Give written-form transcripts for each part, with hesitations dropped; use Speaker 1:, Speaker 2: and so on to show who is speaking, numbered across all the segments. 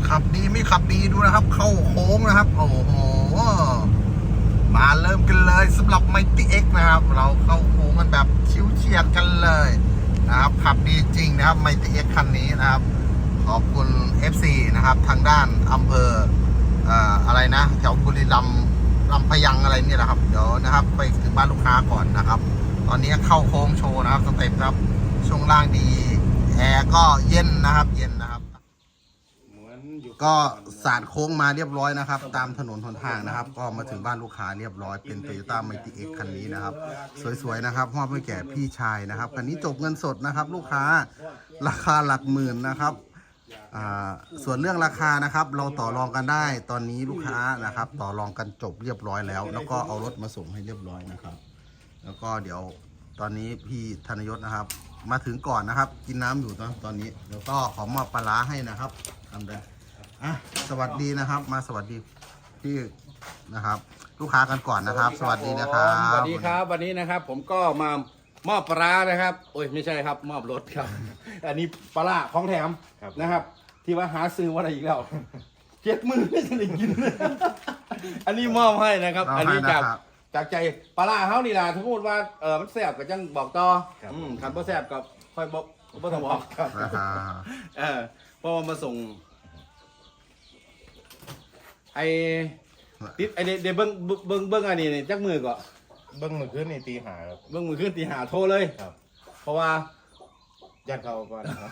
Speaker 1: ขับดีไม่ขับดีดูนะครับเข้าโค้งนะครับโอ้โหมาเริ่มกันเลยสำหรับ Mighty X นะครับเราเข้าโค้งกันแบบชิวเฉียดกันเลยนะครับขับดีจริงนะครับ Mighty X คันนี้นะครับขอบคุณ FC นะครับทางด้านอำเภออะไรนะแถวบุรีรัมย์ลำพะยังอะไรเนี่ยนะครับเดี๋ยวนะครับไปถึงบ้านลูกค้าก่อนนะครับตอนนี้เข้าโค้งโชว์นะครับสเต็ปครับช่วงล่างดีแอร์ก็เย็นนะครับเย็นนะครับก็สาดโค้งมาเรียบร้อยนะครับตามถนนหนทางนะครับก็มาถึงบ้านลูกค้าเรียบร้อยเป็น Toyota Mighty X คันนี้นะครับสวยๆนะครับมอบให้แก่พี่ชายนะครับคันนี้จบเงินสดนะครับลูกค้าราคาหลักหมื่นนะครับส่วนเรื่องราคานะครับเราต่อรองกันได้ตอนนี้ลูกค้านะครับต่อรองกันจบเรียบร้อยแล้วแล้วก็เอารถมาส่งให้เรียบร้อยนะครับแล้วก็เดี๋ยวตอนนี้พี่ธนยศนะครับมาถึงก่อนนะครับกินน้ำอยู่ตอนนี้แล้วก็ขอมอบปลาร้าให้นะครับทำได้สวัสดีนะครับมาสวัสดีพี่นะครับลูกค้ากันก่อนนะครับสวัสดีนะครับ
Speaker 2: สวัสดีครับวันนี้นะครับผมก็มามอบปลานะครับโอ้ยไม่ใช่ครับมอบรถครับอันนี้ปลาของแถมนะครับที่ว่าหาซื้อว่าอะไรอีกแล้ว70,000ไม่ใช่ได้กินอันนี้มอบให้นะครับอันนี้จากใจปลาเขานี่แหละถ้าพูดว่ามันแซ่บก็จังบอกต่อคันบ่แซ่บก็ค่อยบอกบ่ต้องบอกครับเพราะมาส่งไอติดไอเดี๋ยวเบิ้งอันนี้จักมือก่อน
Speaker 3: เบิ้งมือขึ้นในตีหาครับ
Speaker 2: เบิ้งมือขึ้นตีหาโทรเลย
Speaker 3: ครับ
Speaker 2: เพราะว่า
Speaker 3: ญาติเขาก่อนครับ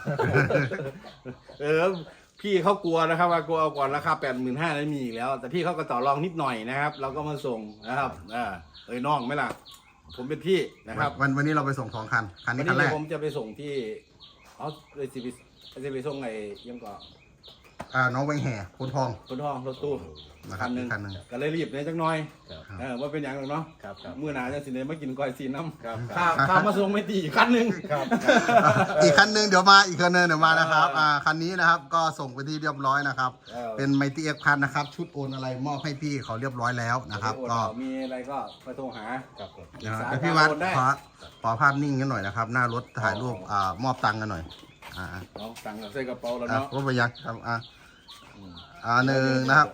Speaker 2: พี่เขากลัวนะครับว่ากลัวเอาก่อนราคา85,000นั้นมีอีกแล้วแต่พี่เขาก็ต่อรองนิดหน่อยนะครับเราก็มาส่งนะครับน้องไหมล่ะผมเป็นพี่นะครับ
Speaker 1: วันนี้เราไปส่ง2 คันนี้คันแรก
Speaker 2: ผมจะไปส่งที่เลยจะไปส่งไอ้ยังก่อน
Speaker 1: น้องแวงแห่คนทอง
Speaker 2: รถตู้
Speaker 1: คันหนึ่ง
Speaker 2: ก็เลยรีบเลยจักหน่อยว่าเป็นอย่างหนึ่งเนาะมื้อหน้าจะสิเนมากินก้อยซีน้ำข้าวมาส่งไม่ตีอีกคันหนึ่ง
Speaker 1: อีกคันหนึ่งเดี๋ยวมาอีกคันหนึ่งเดี๋ยวมานะครับคันนี้นะครับก็ส่งไปที่เรียบร้อยนะครับเป็น Mighty X คันนะครับชุดโอนอะไรมอบให้พี่เขาเรียบร้อยแล้วนะครับก็
Speaker 2: มีอะไรก็ไปโทรหา
Speaker 1: พี่วัดขอภาพนิ่งกันหน่อยนะครับหน้ารถถ่ายรูปมอบตังค์กันหน่อย
Speaker 2: ตังค์ใส่กระเป๋าแล้วเนาะ
Speaker 1: รถไปยังครับหนึ่งนะครับ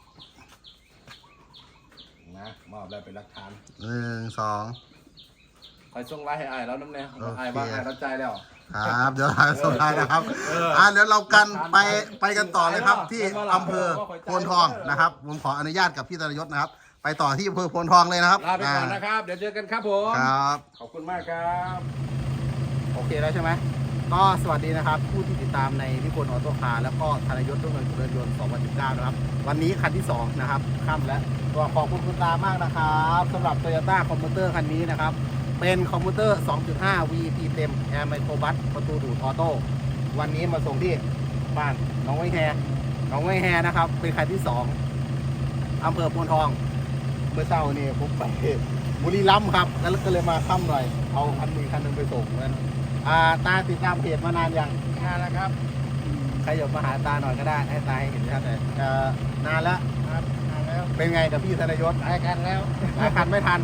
Speaker 2: มอบได้เป็นหลักฐาน
Speaker 1: 1 2
Speaker 2: ไปส่งไลน์ให้ไอ้แล้วน้ำแน่ไอ้บ้างไอ้รับใจแล้ว
Speaker 1: ครับเดี๋ยวถ่ายส่งไลน์นะครับเดี๋ยวเรากันไปกันต่อเลยครับที่อำเภอโพนทองนะครับผมขออนุญาตกับพี่ธนยศนะครับไปต่อที่อำเภอโพนทองเลยนะครับ
Speaker 2: ลาไปก่อนนะครับเดี๋ยวเจอกันครับผม
Speaker 1: ครับ
Speaker 2: ขอบคุณมากครับ
Speaker 1: โอเคแล้วใช่ไหมก็สวัสดีนะครับผู้ที่ติดตามในนิพนธ์ออโต้คาร์แล้วก็ธนยศรุ่งเรืองเจริญยนต์2019นะครับวันนี้คันที่2นะครับค่ำแล้วก็ขอบคุณคุณตามากนะครับสำหรับ Toyota คอมพิวเตอร์คันนี้นะครับเป็นคอมพิวเตอร์ 2.5 VP เต็ม Air Micro Bus ประตูดูดออโต้วันนี้มาส่งที่บ้านน้องไวแฮนะครับเป็นคันที่2อำเภอโพนทองเมื่อเช้านี่ผมไปบุรีรัมย์ครับแล้วก็เลยมาค่ำหน่อยเอาคันนึงไปส่งนั่นตาติดตามเพจมานานยัง
Speaker 2: นานแล้วครับ
Speaker 1: ใครอยากมาหาตาหน่อยก็ได้ให้ตาให้เห็นชัดเลยนานแล้ว
Speaker 2: ครับนานแล้ว
Speaker 1: เป็นไงกับพี่ธนยศ
Speaker 2: หลายคันแล้ว
Speaker 1: หลายคันไม่ทัน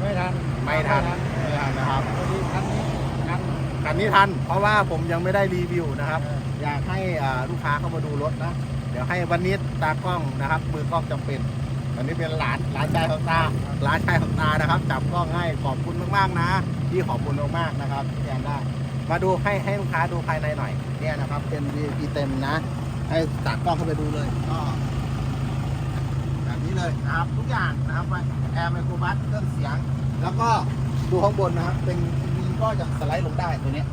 Speaker 1: นะครับคันนี้ทันเพราะว่าผมยังไม่ได้รีวิวนะครับอยากให้ลูกค้าเข้ามาดูรถนะเดี๋ยวให้วันนี้ตากล้องนะครับมือกล้องจำเป็นวันนี้เป็นหลานชายของตานะครับจับกล้องให้ขอบคุณมากๆนะที่ขอบคุณมากๆนะครับที่แทนได้มาดูให้ลูกค้าดูภายในหน่อยเนี่ยนะครับเป็น VIP เต็มนะให้ตัดกล้องเข้าไปดูเลยก็แบบนี้เลยนะครับทุกอย่างนะครับแอร์ไมโครบัสเครื่องเสียงแล้วก็ดูข้างบนนะครับเป็นทีวีก็จะสไลด์ลงได้ตัวนี้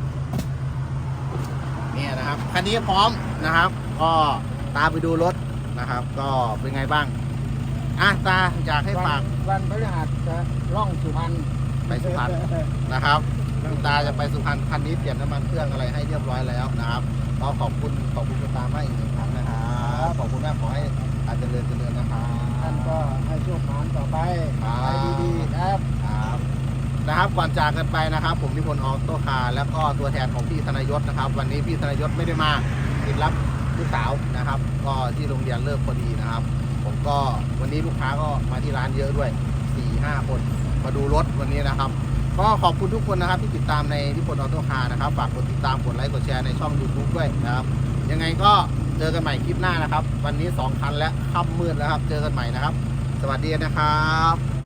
Speaker 1: เนี่ยนะครับคันนี้พร้อมนะครับก็ตามไปดูรถนะครับก็เป็นไงบ้างตาอยากให้ฝาก
Speaker 2: วันพฤหัสจะล่องสุพรรณ
Speaker 1: ไปสุพรรณนะครับตาจะไปสุพรรณคันนี้เปลี่ยนน้ำมันเครื่องอะไรให้เรียบร้อยแล้วนะครับก็ขอบคุณคุณตามากอีก1 ครั้งนะครับขอบคุณมากขอให้อาจจะเจริญนะครับ
Speaker 2: ท่านก็ให้โชคดีต่อไปไปดีๆครับ
Speaker 1: นะครับก่อนจากกันไปนะครับผมนิพนธ์ออโต้คาร์แล้วก็ตัวแทนของพี่ธนยศนะครับวันนี้พี่ธนยศไม่ได้มาติดรับลูกสาวนะครับก็ที่โรงเรียนเลิกพอดีนะครับผมก็วันนี้ลูกค้าก็มาที่ร้านเยอะด้วย 4-5 คนมาดูรถวันนี้นะครับก็ขอบคุณทุกคนนะครับที่ติดตามในนิพนธ์ออโต้คาร์นะครับฝากกดติดตามกดไลค์กดแชร์ในช่อง YouTube ด้วยนะครับยังไงก็จจอกันใหม่คลิปหน้านะครับ วันนี้2 คันและค่ำมืดแล้วครับ เจอกันใหม่นะครับ สวัสดีนะครับ